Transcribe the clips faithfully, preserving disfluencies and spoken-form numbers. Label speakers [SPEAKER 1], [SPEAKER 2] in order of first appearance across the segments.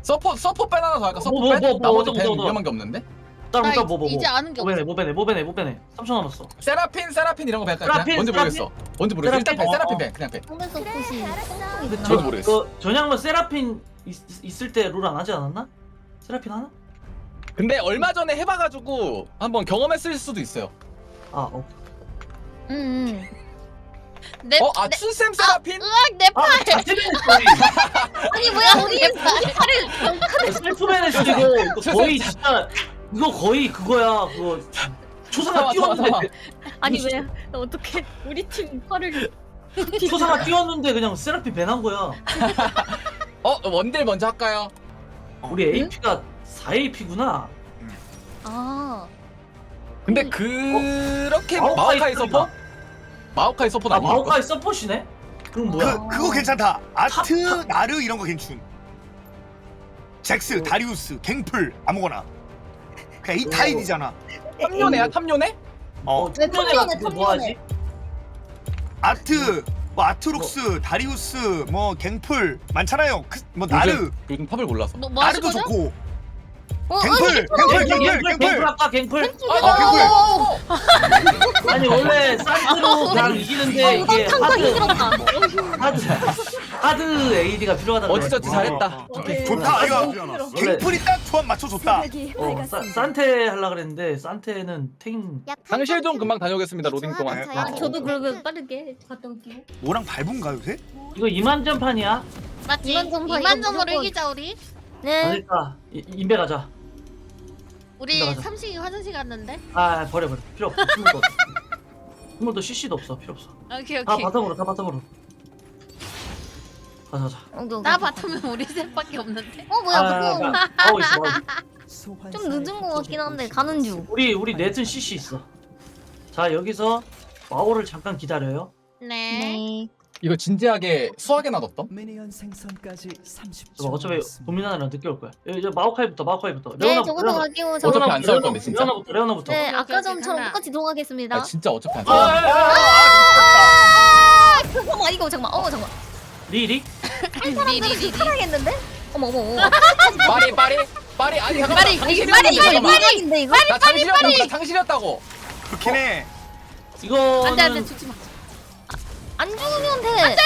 [SPEAKER 1] 서포 서포 뺀 하나 더 할까? 서포
[SPEAKER 2] 뭐,
[SPEAKER 1] 뺀?
[SPEAKER 2] 뭐, 뭐,
[SPEAKER 1] 나머지
[SPEAKER 2] 뭐,
[SPEAKER 1] 뺀
[SPEAKER 2] 뭐, 뭐.
[SPEAKER 1] 위험한 게 없는데?
[SPEAKER 2] 다른
[SPEAKER 3] 나
[SPEAKER 2] 거 뭐, 뭐, 뭐.
[SPEAKER 3] 이제 아는 게
[SPEAKER 2] 뭐 빼네,
[SPEAKER 3] 없어.
[SPEAKER 2] 뭐 빼네, 뭐 빼네, 뭐 빼네. 삼 초 남았어.
[SPEAKER 1] 세라핀 세라핀 이런 거 뺄까?
[SPEAKER 2] 세라핀,
[SPEAKER 1] 그냥 뭔지
[SPEAKER 2] 세라핀?
[SPEAKER 1] 모르겠어. 뭔지 모르겠어. 일단 뺀
[SPEAKER 2] 세라핀?
[SPEAKER 1] 세라핀
[SPEAKER 2] 어,
[SPEAKER 1] 뺀 그냥 뺀.
[SPEAKER 4] 상대 서폿이
[SPEAKER 2] 근데
[SPEAKER 1] 저도
[SPEAKER 2] 저-
[SPEAKER 1] 모르겠어.
[SPEAKER 2] 그 전향로 세라핀 있, 있을 때 룰 안 하지 않았나? 세라핀 하나?
[SPEAKER 1] 근데 얼마 전에 해봐가지고 한번 경험했을 수도 있어요.
[SPEAKER 2] 아, 어.
[SPEAKER 4] 응응
[SPEAKER 3] 내,
[SPEAKER 1] 어? 아
[SPEAKER 3] 내,
[SPEAKER 1] 춘샘 세라핀?
[SPEAKER 3] 으악 내
[SPEAKER 2] 아,
[SPEAKER 3] 팔.
[SPEAKER 2] 자체맨 스토리.
[SPEAKER 4] 아니 뭐야 우리
[SPEAKER 3] 내 팔을.
[SPEAKER 2] 셀프맨의 스토리고 이거 거의 진짜 이거 거의 그거야. 그거 초상화
[SPEAKER 1] 잠깐만,
[SPEAKER 2] 띄웠는데
[SPEAKER 1] 잠깐만.
[SPEAKER 4] 아니 왜 어떻게 우리 팀 팔을
[SPEAKER 2] 초상화 띄웠는데 그냥 세라핀 배난 거야.
[SPEAKER 1] 어? 원딜 먼저 할까요?
[SPEAKER 2] 우리 에이피가 사 에이피구나.
[SPEAKER 4] 아
[SPEAKER 1] 근데
[SPEAKER 4] 음.
[SPEAKER 1] 그렇게
[SPEAKER 2] 마오카이
[SPEAKER 1] 마오카이
[SPEAKER 2] 스토리가.
[SPEAKER 1] 서포? 마오카이 서포
[SPEAKER 2] 아,
[SPEAKER 1] 아니야?
[SPEAKER 2] 마오카이 서폿이네? 그럼 뭐야?
[SPEAKER 5] 그 그거 괜찮다. 아트,
[SPEAKER 2] 탑, 탑.
[SPEAKER 5] 나르 이런 거 괜춘. 잭스, 다리우스, 갱플 아무거나. 그냥 이
[SPEAKER 2] 오.
[SPEAKER 5] 타입이잖아.
[SPEAKER 1] 탐요네야 탐요네?
[SPEAKER 5] 어,
[SPEAKER 2] 어, 탑년에 같은 거
[SPEAKER 4] 탑년에,
[SPEAKER 2] 뭐 하지?
[SPEAKER 5] 아트, 뭐 아트록스, 다리우스, 뭐 갱플 많잖아요. 그, 뭐 나르,
[SPEAKER 1] 요즘, 요즘 탑을 몰라서.
[SPEAKER 3] 뭐, 뭐 하실
[SPEAKER 5] 나르도
[SPEAKER 3] 거죠?
[SPEAKER 5] 좋고.
[SPEAKER 4] 어,
[SPEAKER 5] 갱플, 갱플, 갱플,
[SPEAKER 2] 갱플, 갱플
[SPEAKER 5] 갱플.
[SPEAKER 2] 아까 갱플?
[SPEAKER 5] 어, 갱플.
[SPEAKER 2] 아니 원래 산트로 그냥 이기는데 이게
[SPEAKER 4] 상상
[SPEAKER 2] 하드
[SPEAKER 4] 힘들었다
[SPEAKER 2] 하드 하드 에이디가 필요하다고
[SPEAKER 1] 어찌저찌
[SPEAKER 2] 그래가지고.
[SPEAKER 1] 잘했다. 오케이.
[SPEAKER 5] 좋다. 이거
[SPEAKER 2] 원래
[SPEAKER 5] 갱플이 딱 조합 맞춰줬다.
[SPEAKER 2] 어, 사, 산테 하려 그랬는데 산테는 탱
[SPEAKER 1] 상실 좀 금방 다녀오겠습니다. 로딩 동안.
[SPEAKER 4] 아, 저도 그러면 빠르게 갔다 올게요
[SPEAKER 5] 뭐랑 밟은가 요새?
[SPEAKER 2] 이거 이만전판이야?
[SPEAKER 3] 맞지?
[SPEAKER 4] 이만 점 봐,
[SPEAKER 3] 이만
[SPEAKER 4] 이거
[SPEAKER 3] 점으로
[SPEAKER 4] 무조건.
[SPEAKER 3] 이기자 우리.
[SPEAKER 4] 네
[SPEAKER 2] 그러니까 이- 인베 가자.
[SPEAKER 3] 우리
[SPEAKER 2] 맞아, 맞아.
[SPEAKER 3] 삼식이 화장실 갔는데.
[SPEAKER 2] 아 버려 버려 필요 없어. 스물도 없어. 스물도 씨씨도 없어 필요 없어.
[SPEAKER 3] 오케이
[SPEAKER 2] 다
[SPEAKER 3] 오케이.
[SPEAKER 2] 바텀으로 다 바텀으로. 가자 가자.
[SPEAKER 4] 오케이,
[SPEAKER 3] 나
[SPEAKER 4] 오케이.
[SPEAKER 3] 받으면 우리 셋밖에 없는데.
[SPEAKER 4] 어 뭐야
[SPEAKER 2] 아,
[SPEAKER 4] 그거
[SPEAKER 2] 아, 하고 있어. 하고 있어.
[SPEAKER 4] 좀 늦은 거 같긴 한데 가는 중
[SPEAKER 2] 우리 우리 넷은 씨씨 있어. 자 여기서 마오를 잠깐 기다려요.
[SPEAKER 3] 네.
[SPEAKER 4] 네
[SPEAKER 1] 이거 진지하게 수학에 놔뒀던?
[SPEAKER 6] 미니언 생성까지 삼십 초.
[SPEAKER 2] 저거 어차피 도미나랑 늦게 올 거야. 이제 마오카이부터 마오카이부터.
[SPEAKER 4] 네, 저거도 갈게요.
[SPEAKER 1] 어차피
[SPEAKER 4] 저거.
[SPEAKER 1] 안 싸울 건데, 진짜.
[SPEAKER 2] 레오나부터 레오나부터.
[SPEAKER 4] 네,
[SPEAKER 3] 오케이,
[SPEAKER 4] 아까
[SPEAKER 3] 오케이,
[SPEAKER 4] 전처럼
[SPEAKER 3] 가자.
[SPEAKER 4] 똑같이 들어가겠습니다.
[SPEAKER 1] 아 진짜 어차피 안
[SPEAKER 2] 아,
[SPEAKER 1] 싸울
[SPEAKER 2] 아,
[SPEAKER 1] 건데.
[SPEAKER 2] 아,
[SPEAKER 4] 아, 잠깐만, 이거 잠깐만. 어, 잠깐만.
[SPEAKER 2] 리리?
[SPEAKER 3] 리리리리.
[SPEAKER 4] 살아야겠는데? 어머, 어머, 어머.
[SPEAKER 1] 빠리 빠리 빠리 아니 잠깐만.
[SPEAKER 3] 빠리,
[SPEAKER 1] 장실이었는데,
[SPEAKER 3] 빠리,
[SPEAKER 4] 이거
[SPEAKER 1] 잠깐만.
[SPEAKER 4] 이거인데 이거?
[SPEAKER 1] 나 장실이었다고 나 장실이었다고.
[SPEAKER 5] 그렇긴 해.
[SPEAKER 2] 이거는
[SPEAKER 3] 안돼 안돼 죽지 마.
[SPEAKER 4] 안 죽으면 돼.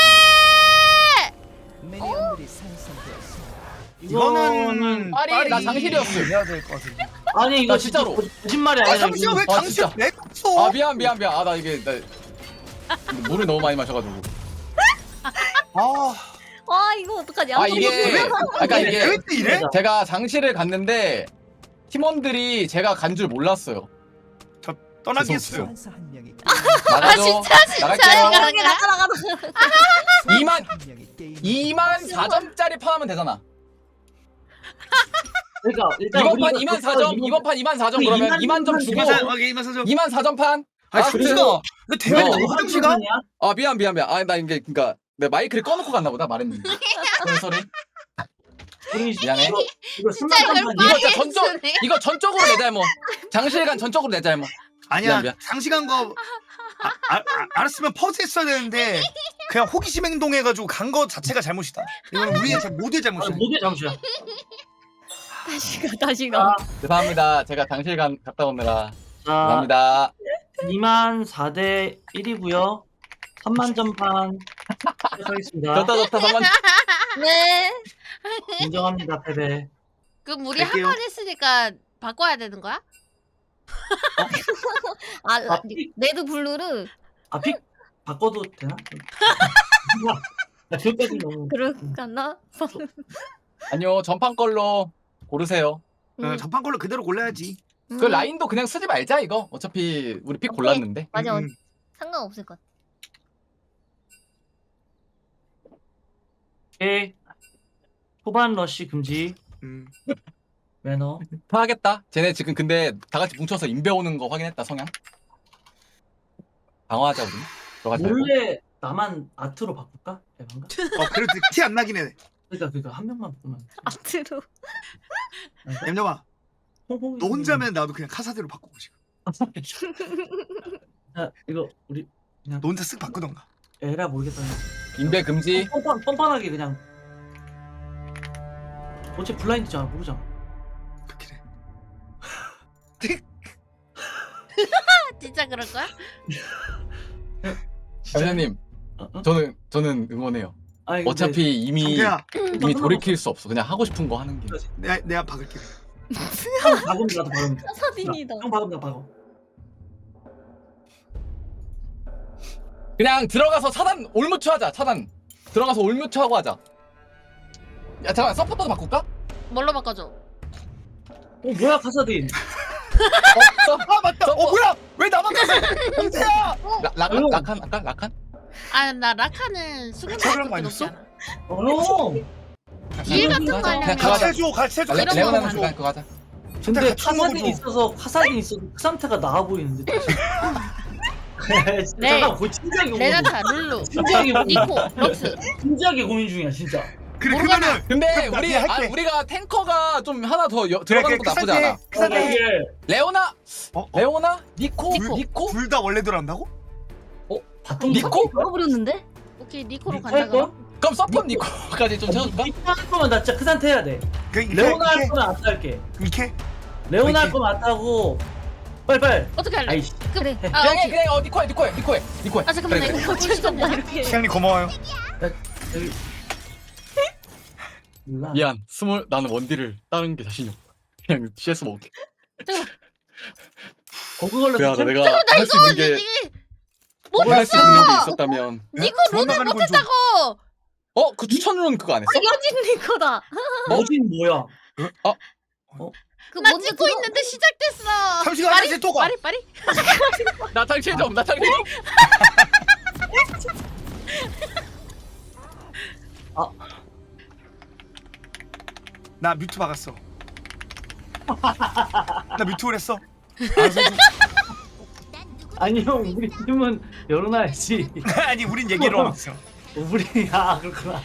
[SPEAKER 6] 미니언들이 생성되었습니다.
[SPEAKER 2] 이거는
[SPEAKER 1] 빠리 나 장실이었어.
[SPEAKER 5] 해야 될 것 같은데.
[SPEAKER 2] 아니 이거
[SPEAKER 1] 나
[SPEAKER 2] 진짜
[SPEAKER 1] 진짜로.
[SPEAKER 2] 거- 거짓말이
[SPEAKER 5] 아,
[SPEAKER 2] 아니라
[SPEAKER 5] 잠시만 왜
[SPEAKER 2] 이거-
[SPEAKER 1] 아,
[SPEAKER 5] 당신
[SPEAKER 1] 진짜.
[SPEAKER 5] 왜 갔어?
[SPEAKER 1] 아 미안 미안 미안. 아 나 이게 나 물을 너무 많이 마셔가지고.
[SPEAKER 5] 아,
[SPEAKER 4] 와, 이거 어떡하냐?
[SPEAKER 1] 아 이게 아까 이게
[SPEAKER 5] 왜 또 이래?
[SPEAKER 1] 제가 장실을 갔는데 팀원들이 제가 간 줄 몰랐어요.
[SPEAKER 5] 저 떠나겠어요.
[SPEAKER 6] 소환사 한 명이
[SPEAKER 1] 나가죠.
[SPEAKER 3] 진짜, 진짜
[SPEAKER 1] 나갈게요.
[SPEAKER 3] 이거.
[SPEAKER 4] 나가 나가 나가.
[SPEAKER 1] 이만
[SPEAKER 6] 한 명이 게임
[SPEAKER 1] 이만 사 점짜리 파하면 되잖아.
[SPEAKER 2] 그러니까 일단
[SPEAKER 1] 이번 판
[SPEAKER 2] 우리가
[SPEAKER 1] 이만 사 점, 이번 판 이만 사 점
[SPEAKER 2] 그
[SPEAKER 1] 그러면
[SPEAKER 2] 이만
[SPEAKER 1] 이만 점
[SPEAKER 2] 점
[SPEAKER 1] 주고
[SPEAKER 5] 이만 사, 이만 사죠.
[SPEAKER 1] 이만 사 점 판.
[SPEAKER 5] 아,
[SPEAKER 1] 아,
[SPEAKER 5] 잠시만. 너 대면이
[SPEAKER 1] 어.
[SPEAKER 5] 너무 화장실 가?
[SPEAKER 1] 아 미안 미안 미안. 아 나 이게 그러니까 내 마이크를 꺼놓고 갔나 보다 말했는데. 무슨 소리?
[SPEAKER 2] 우리
[SPEAKER 1] 미안해.
[SPEAKER 2] 이거 이거
[SPEAKER 3] 진짜 이걸
[SPEAKER 2] 순간
[SPEAKER 1] 이거
[SPEAKER 3] 빨리
[SPEAKER 1] 진짜 전적
[SPEAKER 3] 쓰네.
[SPEAKER 1] 이거 전적으로 내 잘못. 장실 간 전적으로 내 잘못.
[SPEAKER 5] 아니야,
[SPEAKER 1] 미안, 미안.
[SPEAKER 5] 장시간 거 아, 아, 아, 알았으면 퍼즈 했어야 되는데 그냥 호기심 행동해가지고 간 거 자체가 잘못이다. 이건 우리의 잘- 모두의 잘못이야.
[SPEAKER 2] 모두의 잠시야.
[SPEAKER 4] 다시 가, 다시
[SPEAKER 2] 자,
[SPEAKER 4] 가.
[SPEAKER 1] 죄송합니다. 제가 장실 간 갔다 오느라
[SPEAKER 2] 자
[SPEAKER 1] 죄송합니다.
[SPEAKER 2] 이만 사 대 일이고요. 삼만 점판 시작하겠습니다.
[SPEAKER 1] 좋다 좋다 선만.
[SPEAKER 4] 네.
[SPEAKER 2] 인정합니다 패배.
[SPEAKER 3] 그럼 우리
[SPEAKER 5] 갈게요.
[SPEAKER 3] 한 판 했으니까 바꿔야 되는 거야?
[SPEAKER 4] 아,
[SPEAKER 2] 아, 픽,
[SPEAKER 4] 레드 블루를
[SPEAKER 2] 아, 픽 바꿔도 되나? 나 지금까지 너무
[SPEAKER 4] 그럴까나?
[SPEAKER 1] 아니요 전판 걸로 고르세요.
[SPEAKER 5] 어, 전판 걸로 그대로 골라야지.
[SPEAKER 1] 그 라인도 그냥 쓰지 말자 이거. 어차피 우리 픽
[SPEAKER 4] 오케이.
[SPEAKER 1] 골랐는데.
[SPEAKER 4] 맞아,
[SPEAKER 5] 음,
[SPEAKER 4] 상관없을 것 같아.
[SPEAKER 2] 오케이. 초반 러쉬 금지
[SPEAKER 5] 음.
[SPEAKER 2] 매너.
[SPEAKER 1] 파하겠다. 쟤네 지금 근데 다 같이 뭉쳐서 인베 오는 거 확인했다 성향. 방어하자 우리. 들어가자.
[SPEAKER 2] 원래 나만 아트로 바꿀까? 대박인가?
[SPEAKER 5] 어, 그래도 티 안 나긴 해.
[SPEAKER 2] 그러니까 그러니까 한 명만 바꾸면.
[SPEAKER 4] 아트로.
[SPEAKER 5] 엠녀아,
[SPEAKER 2] 홍홍이
[SPEAKER 5] 너 혼자면 나도 그냥 카사대로 바꾸고 싶어.
[SPEAKER 2] 야, 이거 우리
[SPEAKER 5] 너 혼자 쓱 바꾸던가.
[SPEAKER 2] 에라 모르겠다.
[SPEAKER 1] 인베 금지.
[SPEAKER 2] 뻔뻔 뻔뻔하게 그냥 어째 블라인드잖아 모르잖아.
[SPEAKER 5] 그렇긴 해.
[SPEAKER 3] 진짜 그럴 거야?
[SPEAKER 1] 회장님
[SPEAKER 2] 어, 어?
[SPEAKER 1] 저는 저는 응원해요.
[SPEAKER 2] 아니, 근데
[SPEAKER 1] 어차피 이미
[SPEAKER 5] 성태야,
[SPEAKER 1] 이미 돌이킬 수 없어. 그냥 하고 싶은 거 하는 게.
[SPEAKER 5] 내가 내가 박을게.
[SPEAKER 2] 형 박으면 나도 박으면 돼.
[SPEAKER 4] 사사딘이다.
[SPEAKER 2] 형 박으면 나 박어.
[SPEAKER 1] 그냥 들어가서 차단 올무초 하자. 차단 들어가서 올무초 하고 하자. 야 잠깐 서포터도 바꿀까?
[SPEAKER 3] 뭘로 바꿔줘?
[SPEAKER 2] 어 뭐야 카사딘.
[SPEAKER 1] 어, 서,
[SPEAKER 5] 아 맞다.
[SPEAKER 1] 서포.
[SPEAKER 5] 어 뭐야? 왜 나만 갔어? 성태야.
[SPEAKER 1] 라, 라칸
[SPEAKER 2] 응.
[SPEAKER 1] 라칸 라칸 라칸?
[SPEAKER 3] 아 나 라카는 수능
[SPEAKER 5] 저런 거
[SPEAKER 3] 그렇게 높지
[SPEAKER 5] 아니었어?
[SPEAKER 3] 않아.
[SPEAKER 2] 어 형.
[SPEAKER 3] 일 같은 거
[SPEAKER 1] 그냥
[SPEAKER 3] 하려면
[SPEAKER 1] 가자.
[SPEAKER 5] 같이 해줘. 같이 해줘.
[SPEAKER 1] 레,
[SPEAKER 3] 이런
[SPEAKER 1] 레오나는
[SPEAKER 3] 거만
[SPEAKER 1] 그냥 그거 하자.
[SPEAKER 2] 근데
[SPEAKER 5] 같이
[SPEAKER 2] 카사딘
[SPEAKER 5] 먹어줘.
[SPEAKER 2] 있어서 카사딘 있어서 그 상태가 나아 보이는데. 진짜
[SPEAKER 3] 네.
[SPEAKER 2] 잠깐 거의 진지하게 고민.
[SPEAKER 3] 레나타, 룰루,
[SPEAKER 2] 진지하게 고민.
[SPEAKER 3] 니코, 럭스.
[SPEAKER 2] 진지하게 고민 중이야 진짜.
[SPEAKER 5] 그래
[SPEAKER 3] 모르겠나?
[SPEAKER 5] 그러면은
[SPEAKER 1] 근데
[SPEAKER 5] 그럼 나
[SPEAKER 1] 우리
[SPEAKER 5] 그냥
[SPEAKER 1] 아,
[SPEAKER 5] 할게.
[SPEAKER 1] 우리가 탱커가 좀 하나 더 여,
[SPEAKER 5] 그래,
[SPEAKER 1] 들어가는
[SPEAKER 5] 그래,
[SPEAKER 1] 것도 나쁘지
[SPEAKER 5] 그
[SPEAKER 1] 않아.
[SPEAKER 5] 그 상태.
[SPEAKER 2] 이게
[SPEAKER 1] 레오나
[SPEAKER 5] 어? 어?
[SPEAKER 1] 레오나 니코
[SPEAKER 5] 둘-
[SPEAKER 1] 니코
[SPEAKER 5] 둘 다 원래 들어간다고?
[SPEAKER 2] 어 바통
[SPEAKER 1] 니코?
[SPEAKER 4] 걸어버렸는데?
[SPEAKER 3] 오케이 니코로
[SPEAKER 2] 니코
[SPEAKER 3] 간다
[SPEAKER 2] 할
[SPEAKER 3] 그럼.
[SPEAKER 2] 거야?
[SPEAKER 1] 그럼 서폿 니코까지 좀 채워줄까?
[SPEAKER 2] 니코 할 거면 나 진짜 그 상태 해야 돼.
[SPEAKER 5] 그 이렇게
[SPEAKER 2] 레오나 할
[SPEAKER 5] 이렇게
[SPEAKER 2] 거면 안 탈게.
[SPEAKER 5] 이렇게.
[SPEAKER 2] 레오나 할
[SPEAKER 5] 이렇게.
[SPEAKER 2] 거면 안 타고 빨리 빨리.
[SPEAKER 3] 어떻게 할래?
[SPEAKER 2] 아이씨.
[SPEAKER 3] 그래.
[SPEAKER 2] 해.
[SPEAKER 3] 아
[SPEAKER 1] 그래
[SPEAKER 3] 오케이.
[SPEAKER 1] 그래 어 니코해 니코해 니코해 니코해.
[SPEAKER 3] 아 잠깐만
[SPEAKER 1] 그래,
[SPEAKER 3] 나
[SPEAKER 1] 그래.
[SPEAKER 3] 이거 고쳐준다 이렇게.
[SPEAKER 5] 시장님 고마워요.
[SPEAKER 2] 여기. 몰라.
[SPEAKER 1] 미안 스몰 나는 원딜을 다른 게 자신이 없어. 그냥 씨에스 먹을게.
[SPEAKER 2] 거기 걸려서
[SPEAKER 1] 미안하다
[SPEAKER 2] 챔-
[SPEAKER 1] 내가 할 수 있는 게
[SPEAKER 3] 못
[SPEAKER 1] 할 수 있는 게
[SPEAKER 3] 봤어.
[SPEAKER 1] 있었다면
[SPEAKER 3] 니코
[SPEAKER 5] 도망
[SPEAKER 3] 론을
[SPEAKER 5] 나가는 건 좀-
[SPEAKER 3] 못했다고.
[SPEAKER 1] 어 그 추천론 그거 안 했어?
[SPEAKER 4] 여진 니코다.
[SPEAKER 2] 여진 뭐야?
[SPEAKER 4] 그
[SPEAKER 3] 나
[SPEAKER 4] 먼저
[SPEAKER 3] 찍고
[SPEAKER 4] 들어-
[SPEAKER 3] 있는데 시작됐어.
[SPEAKER 5] 잠시만,
[SPEAKER 3] 빠리
[SPEAKER 5] 다시 또 가.
[SPEAKER 3] 빠리 빠리.
[SPEAKER 1] 나탈 최점 나탈 최점.
[SPEAKER 5] 나 뮤트 박았어. 나 뮤트를 했어. 알아서 해줘.
[SPEAKER 2] 아니 형 우리 팀은 열어놔야지.
[SPEAKER 5] 아니 우린 얘기를 하고 있어.
[SPEAKER 2] 우리 아 그렇구나.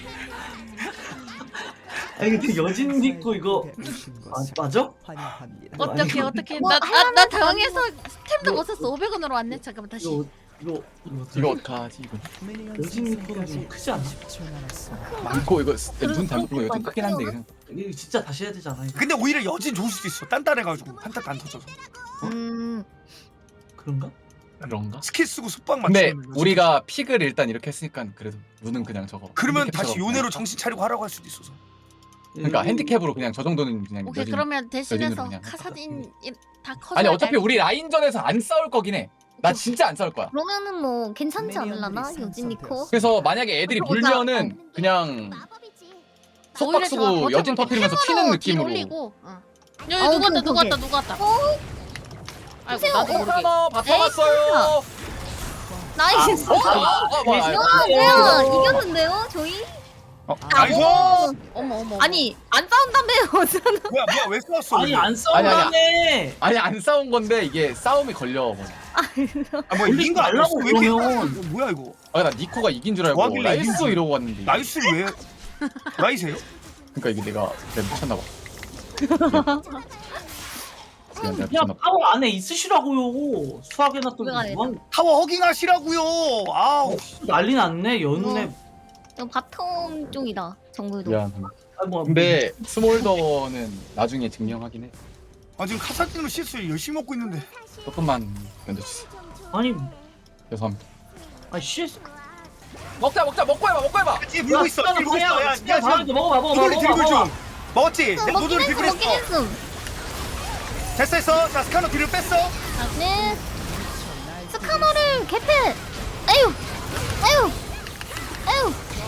[SPEAKER 2] 아니 근데 여진 믿고 이거 아, 맞아?
[SPEAKER 6] 환영합니다.
[SPEAKER 3] 어떻게 어떻게
[SPEAKER 4] 뭐,
[SPEAKER 3] 나나 나 당황해서 스템도 못 샀어. 오백 원으로 왔네. 잠깐만 다시.
[SPEAKER 2] 이거 이거 이거 어떡해?
[SPEAKER 1] 이거 어떡하지 이거.
[SPEAKER 2] 여진 믿고는 좀 크지 않아?
[SPEAKER 6] 삼십 초 남았습니다.
[SPEAKER 1] 니코 이거 눈 잘못 보고 이거 좀 크긴 한데 그냥.
[SPEAKER 2] 이거 진짜 다시 해야 되잖아. 이거.
[SPEAKER 5] 근데 오히려 여진 좋을 수도 있어. 단단해가지고 한타도 안 터져서.
[SPEAKER 4] 음.
[SPEAKER 2] 그런가?
[SPEAKER 1] 그런가?
[SPEAKER 5] 스킬 쓰고 속박
[SPEAKER 1] 근데
[SPEAKER 5] 맞추면 여진
[SPEAKER 1] 우리가 픽을 일단 이렇게 했으니까 그래도 눈은 그냥 저거.
[SPEAKER 5] 그러면
[SPEAKER 1] 핸디캡처럼
[SPEAKER 5] 다시
[SPEAKER 1] 그냥.
[SPEAKER 5] 요네로 정신 차리고 하라고 할 수도 있어서.
[SPEAKER 1] 그러니까
[SPEAKER 2] 이거-
[SPEAKER 1] 핸디캡으로 그냥 저 정도는 그냥
[SPEAKER 3] 오케이
[SPEAKER 1] 여진-
[SPEAKER 3] 그러면 대신해서
[SPEAKER 1] 여진으로 그냥
[SPEAKER 3] 카사딘 이- 다 커져.
[SPEAKER 1] 아니 어차피 우리 라인전에서 안 싸울 거긴 해. 나 진짜 안 싸울 거야.
[SPEAKER 4] 그러면은 뭐 괜찮지 않을라나? 여진 니코?
[SPEAKER 1] 그래서 만약에 애들이
[SPEAKER 4] 그러보자.
[SPEAKER 1] 물면은 그냥 속박
[SPEAKER 3] 오히려 좋아.
[SPEAKER 1] 쓰고 여진 터트리면서 튀는
[SPEAKER 3] 햄으로
[SPEAKER 1] 느낌으로.
[SPEAKER 3] 딜 올리고. 응. 여기
[SPEAKER 4] 어,
[SPEAKER 3] 누구 왔다
[SPEAKER 4] 그래,
[SPEAKER 3] 누구
[SPEAKER 4] 그래.
[SPEAKER 3] 왔다 누구 왔다.
[SPEAKER 4] 어?
[SPEAKER 3] 아이고
[SPEAKER 4] 보세요.
[SPEAKER 3] 나도
[SPEAKER 4] 어,
[SPEAKER 3] 모르게.
[SPEAKER 1] 하나 바꿔봤어요.
[SPEAKER 4] 나이스.
[SPEAKER 1] 어, 아, 아, 뭐, 아,
[SPEAKER 4] 야, 뭐야? 이겼는데요, 저희?
[SPEAKER 5] 어, 나이스.
[SPEAKER 4] 어.
[SPEAKER 3] 어머 어머.
[SPEAKER 4] 아니, 안 싸운다며요, 어쩌나?
[SPEAKER 5] 뭐야 뭐야 왜 싸웠어?
[SPEAKER 2] 아니
[SPEAKER 5] 우리?
[SPEAKER 2] 안 싸운다며.
[SPEAKER 1] 아니 안 싸운 건데 이게 싸움이 걸려. 뭐.
[SPEAKER 5] 아, 뭐
[SPEAKER 2] 올리지
[SPEAKER 5] 이긴 거
[SPEAKER 2] 말라고
[SPEAKER 5] 아니었어? 왜 이렇게-
[SPEAKER 2] 그러면.
[SPEAKER 5] 이거 뭐야 이거?
[SPEAKER 1] 아 나 니코가 이긴 줄 알고
[SPEAKER 5] 뭐 하길래
[SPEAKER 1] 나이스
[SPEAKER 5] 이긴지.
[SPEAKER 1] 이러고 왔는데.
[SPEAKER 5] 나이스 왜? 나이세요?
[SPEAKER 1] 그러니까 이게 내가 내가 미쳤나 봐. 미안, 내가
[SPEAKER 2] 그냥
[SPEAKER 1] 미쳤나 봐.
[SPEAKER 2] 파워 안에 있으시라고요. 수학에나 또
[SPEAKER 4] 왜 안
[SPEAKER 2] 뭐
[SPEAKER 5] 타워 허깅하시라고요. 아우.
[SPEAKER 2] 난리 났네 연운에.
[SPEAKER 4] 이거 바텀 쪽이다, 정글도.
[SPEAKER 1] 미안.
[SPEAKER 2] 아, 뭐,
[SPEAKER 1] 근데 스몰더는 나중에 증명하긴 해.
[SPEAKER 5] 아 지금 카사딘으로 씨에스 열심히 먹고 있는데.
[SPEAKER 1] 조금만 견뎌주세요.
[SPEAKER 2] 아니
[SPEAKER 1] 죄송합니다.
[SPEAKER 2] 아 씨.
[SPEAKER 1] 먹자 먹자 먹고 해봐 먹고 해봐.
[SPEAKER 5] 뒤에 물고 있어.
[SPEAKER 2] 야,
[SPEAKER 5] 들고 있어. 야, 야
[SPEAKER 2] 진짜
[SPEAKER 5] 지금
[SPEAKER 2] 먹어봐 먹어봐 먹어봐.
[SPEAKER 5] 노돌이 들고
[SPEAKER 2] 먹어봐.
[SPEAKER 5] 중. 먹었지?
[SPEAKER 4] 어,
[SPEAKER 5] 내
[SPEAKER 4] 먹긴
[SPEAKER 5] 노돌이
[SPEAKER 4] 했음,
[SPEAKER 5] 들고
[SPEAKER 4] 먹긴
[SPEAKER 5] 있어.
[SPEAKER 4] 했음.
[SPEAKER 5] 됐어 했어. 자 스카너 뒤를 뺐어.
[SPEAKER 4] 네. 스카너를 개패! 아유! 아유! 아유!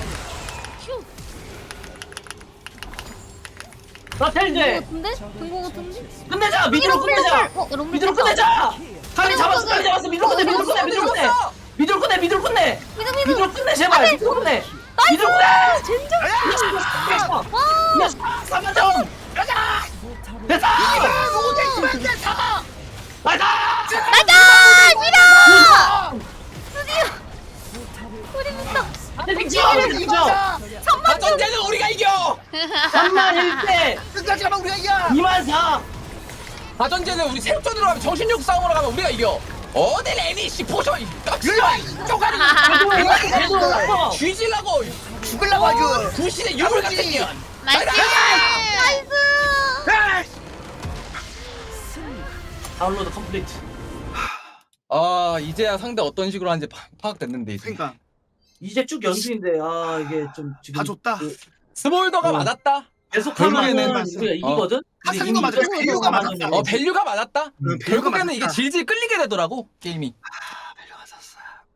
[SPEAKER 2] 나
[SPEAKER 4] 된
[SPEAKER 2] 텔제.
[SPEAKER 4] 거 같은데? 된 거 같은데?
[SPEAKER 2] 끝내자 미드로 끝내자.
[SPEAKER 4] 어, 여러분.
[SPEAKER 2] 미드로 끝내자. 카리 잡았어 카리 잡았어 미드로 끝내 미드로 끝내 미드로 끝내. 미드로 끝내 미드로 끝내.
[SPEAKER 4] 미드, 미드!
[SPEAKER 2] 미드로 끝내 제발 미드로 끝내. 미드로 끝내.
[SPEAKER 4] 젠장!
[SPEAKER 2] 와. 야 삼만 점. 가자. 됐다. 나이다.
[SPEAKER 4] 나가! 미라!
[SPEAKER 2] 안돼 빅쳐 빅쳐.
[SPEAKER 1] 아전제는 우리가 이겨.
[SPEAKER 2] 삼만 일 대.
[SPEAKER 5] 끝까지 가면 우리가 이겨.
[SPEAKER 2] 이만 사.
[SPEAKER 1] 아전제는 우리 생존으로 가면 정신력 싸움으로 가면 우리가 이겨. 어딜 애니씨 포션 깍지마 쪼가리
[SPEAKER 2] 그래도 그래도
[SPEAKER 1] 쥐질라고
[SPEAKER 5] 죽을라고 아주.
[SPEAKER 1] 구신의 유물 같은 년.
[SPEAKER 3] 나이스. 나이스.
[SPEAKER 2] 다운로드 컴플리트.
[SPEAKER 1] 아 이제야 상대 어떤 식으로 하는지 파, 파악됐는데 이제.
[SPEAKER 5] 그러니까
[SPEAKER 2] 이제 쭉 연습인데 아 이게 좀 지금
[SPEAKER 5] 다 줬다.
[SPEAKER 2] 그
[SPEAKER 1] 스몰더가
[SPEAKER 2] 어.
[SPEAKER 1] 맞았다.
[SPEAKER 2] 계속하면은
[SPEAKER 1] 결국에는-
[SPEAKER 2] 우리가 이기거든. 근데
[SPEAKER 5] 가상도
[SPEAKER 2] 이미
[SPEAKER 5] 맞아.
[SPEAKER 2] 이겼어.
[SPEAKER 5] 밸류가 맞았다.
[SPEAKER 1] 어 밸류가 맞았다.
[SPEAKER 5] 응, 밸류가
[SPEAKER 1] 결국에는 이게
[SPEAKER 5] 맞았다.
[SPEAKER 1] 질질 끌리게 되더라고 게임이.